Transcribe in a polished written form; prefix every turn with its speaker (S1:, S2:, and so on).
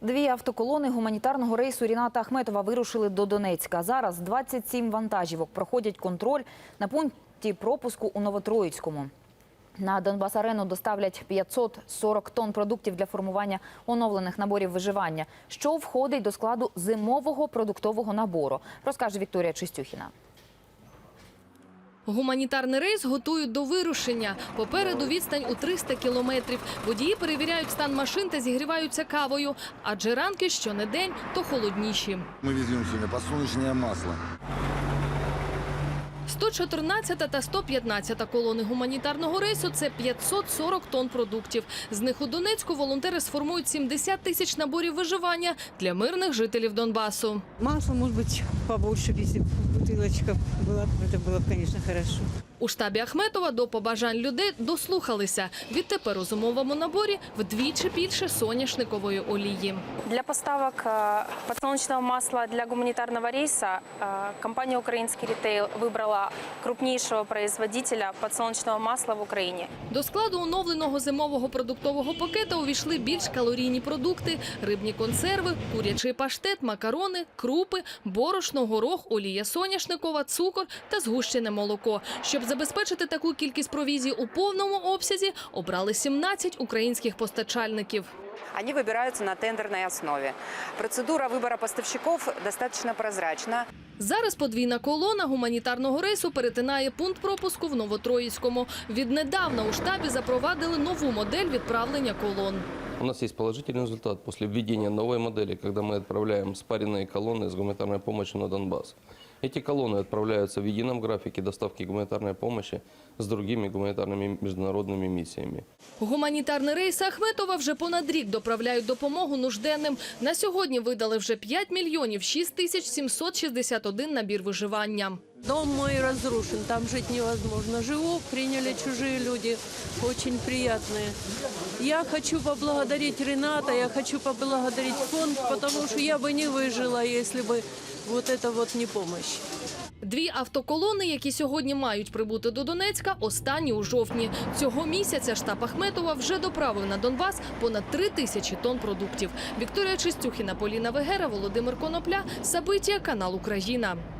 S1: Дві автоколони гуманітарного рейсу Ріната Ахметова вирушили до Донецька. Зараз 27 вантажівок проходять контроль на пункті пропуску у Новотроїцькому. На Донбас-арену доставлять 540 тонн продуктів для формування оновлених наборів виживання, що входить до складу зимового продуктового набору, розкаже Вікторія Чистюхіна.
S2: Гуманітарний рейс готують до вирушення. Попереду відстань у 300 кілометрів. Водії перевіряють стан машин та зігріваються кавою. Адже ранки щонедень то холодніші.
S3: Ми веземо сьогодні подсолнечне масло.
S2: 114 та 115 колони гуманітарного рейсу – це 540 тонн продуктів. З них у Донецьку волонтери сформують 70 тисяч наборів виживання для мирних жителів Донбасу.
S4: Масло, может быть, побольше, если бутылочка была, это было бы, конечно, хорошо.
S2: У штабі Ахметова до побажань людей дослухалися. Відтепер у зимовому наборі вдвічі більше соняшникової олії.
S5: Для поставок подсолнечного масла для гуманитарного рейса компания «Украинский ритейл» выбрала крупнейшего производителя подсолнечного масла в Україні.
S2: До складу оновленого зимового продуктового пакета увійшли більш калорійні продукти – рибні консерви, курячий паштет, макарони, крупи, борошно, горох, олія соняшникова, цукор та згущене молоко. Щоб забезпечити таку кількість провізії у повному обсязі, обрали 17 українських постачальників.
S6: Они выбираются на тендерной основе. Процедура выбора поставщиков достаточно прозрачна.
S2: Зараз подвійна колона гуманітарного рейсу перетинає пункт пропуску в Новотроїцькому. Віднедавна у штабі запровадили нову модель відправлення колон.
S7: У нас есть положительный результат после введения новой модели, когда мы отправляем спаренные колонны с гуманитарной помощью на Донбасс. Эти колонны отправляются в едином графике доставки гуманитарной помощи с другими гуманитарными международными миссиями.
S2: Гуманітарний рейс Ахметова вже понад рік доправляють допомогу нужденним. На сьогодні видали вже 5 мільйонів 6 тисяч 761 набір виживання.
S4: Дом мой разрушен, там жить невозможно. Живу, приняли чужие люди, очень приятные. Я хочу поблагодарить Рената, я хочу поблагодарить фонд, потому что я бы не выжила, если бы вот это вот не помощь.
S2: Дві автоколони, які сьогодні мають прибути до Донецька, останні у жовтні. Цього місяця штаб Ахметова вже доправив на Донбас понад 3 тисячі тонн продуктів. Вікторія Чистюхіна, Поліна Вегера, Володимир Конопля, Сабиття, канал «Україна».